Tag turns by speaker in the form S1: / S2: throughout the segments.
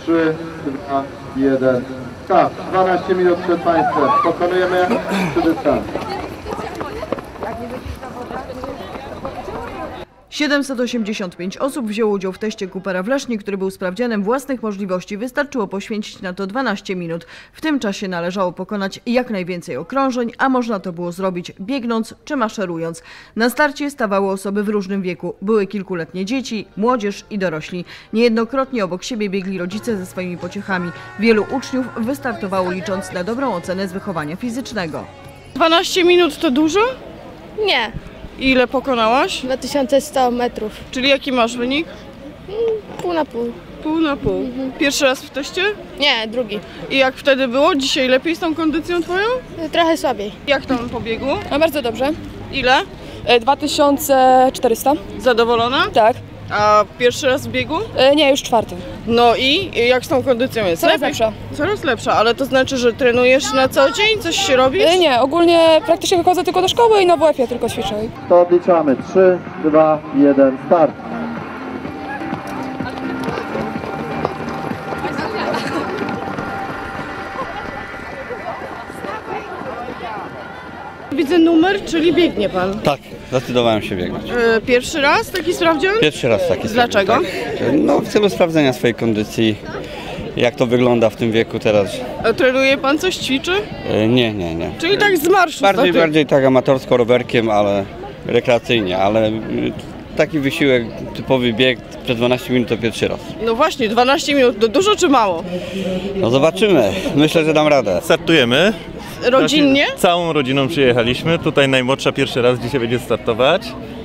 S1: 3, 2, 1, start. 12 minut przed Państwem. Pokonujemy dystans.
S2: 785 osób wzięło udział w teście Coopera w Lesznie, który był sprawdzianem własnych możliwości. Wystarczyło poświęcić na to 12 minut. W tym czasie należało pokonać jak najwięcej okrążeń, a można to było zrobić biegnąc czy maszerując. Na starcie stawały osoby w różnym wieku. Były kilkuletnie dzieci, młodzież i dorośli. Niejednokrotnie obok siebie biegli rodzice ze swoimi pociechami. Wielu uczniów wystartowało licząc na dobrą ocenę z wychowania fizycznego.
S3: 12 minut to dużo?
S4: Nie,
S3: Ile pokonałaś?
S4: 2100 metrów.
S3: Czyli jaki masz wynik?
S4: Pół na pół.
S3: Pół na pół. Pierwszy raz w teście?
S4: Nie, drugi.
S3: I jak wtedy było? Dzisiaj lepiej z tą kondycją twoją?
S4: Trochę słabiej.
S3: Jak tam pobiegło?
S5: No bardzo dobrze.
S3: Ile?
S5: 2400.
S3: Zadowolona?
S5: Tak.
S3: A pierwszy raz w biegu?
S5: Nie, już czwarty.
S3: No i jak z tą kondycją jest?
S5: Coraz
S3: Lepiej?
S5: lepsza.
S3: Coraz lepsza, ale to znaczy, że trenujesz na co dzień? Coś się robisz?
S5: Nie, ogólnie praktycznie chodzę tylko do szkoły i na WF-ie tylko ćwiczę.
S1: To odliczamy. 3, 2, 1, start.
S3: Widzę numer, czyli biegnie pan.
S6: Tak, zdecydowałem się biegnąć.
S3: Pierwszy raz taki sprawdzian?
S6: Pierwszy raz taki.
S3: Dlaczego?
S6: Tak. No w celu sprawdzenia swojej kondycji, jak to wygląda w tym wieku teraz.
S3: A trenuje pan coś, ćwiczy?
S6: Nie.
S3: Czyli tak z marszu.
S6: Bardziej tak amatorsko rowerkiem, ale rekreacyjnie, ale taki wysiłek, typowy bieg przez 12 minut to pierwszy raz.
S3: No właśnie, 12 minut to dużo czy mało?
S6: No zobaczymy, myślę, że dam radę.
S7: Startujemy.
S3: Rodzinnie?
S7: Całą rodziną przyjechaliśmy. Tutaj najmłodsza pierwszy raz dzisiaj będzie startować.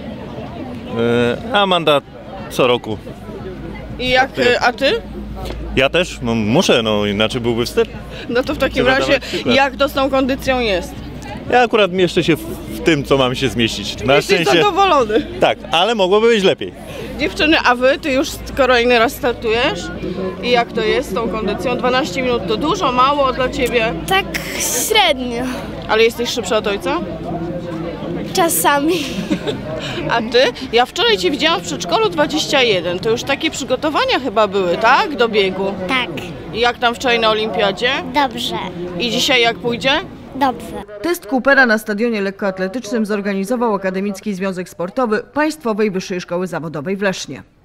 S7: A Amanda co roku.
S3: I jak, a ty?
S7: Ja też muszę, no inaczej byłby wstyd.
S3: No to w takim
S7: Trzeba
S3: razie,
S7: dawać przykład.
S3: jak to z tą kondycją jest?
S7: Ja akurat mieszczę się w tym, co mam się zmieścić. Na
S3: Jesteś
S7: szczęście.
S3: zadowolony.
S7: Tak, ale mogłoby być lepiej.
S3: Dziewczyny, a ty już kolejny raz startujesz? I jak to jest z tą kondycją? 12 minut to dużo, mało dla ciebie?
S4: Tak średnio.
S3: Ale jesteś szybsza od ojca?
S4: Czasami.
S3: A ty? Ja wczoraj cię widziałam w przedszkolu 21. To już takie przygotowania chyba były, tak? Do biegu.
S8: Tak,
S3: I jak tam wczoraj na olimpiadzie?
S8: dobrze,
S3: I dzisiaj jak pójdzie?
S8: dobrze.
S2: Test Coopera na stadionie lekkoatletycznym zorganizował Akademicki Związek Sportowy Państwowej Wyższej Szkoły Zawodowej w Lesznie.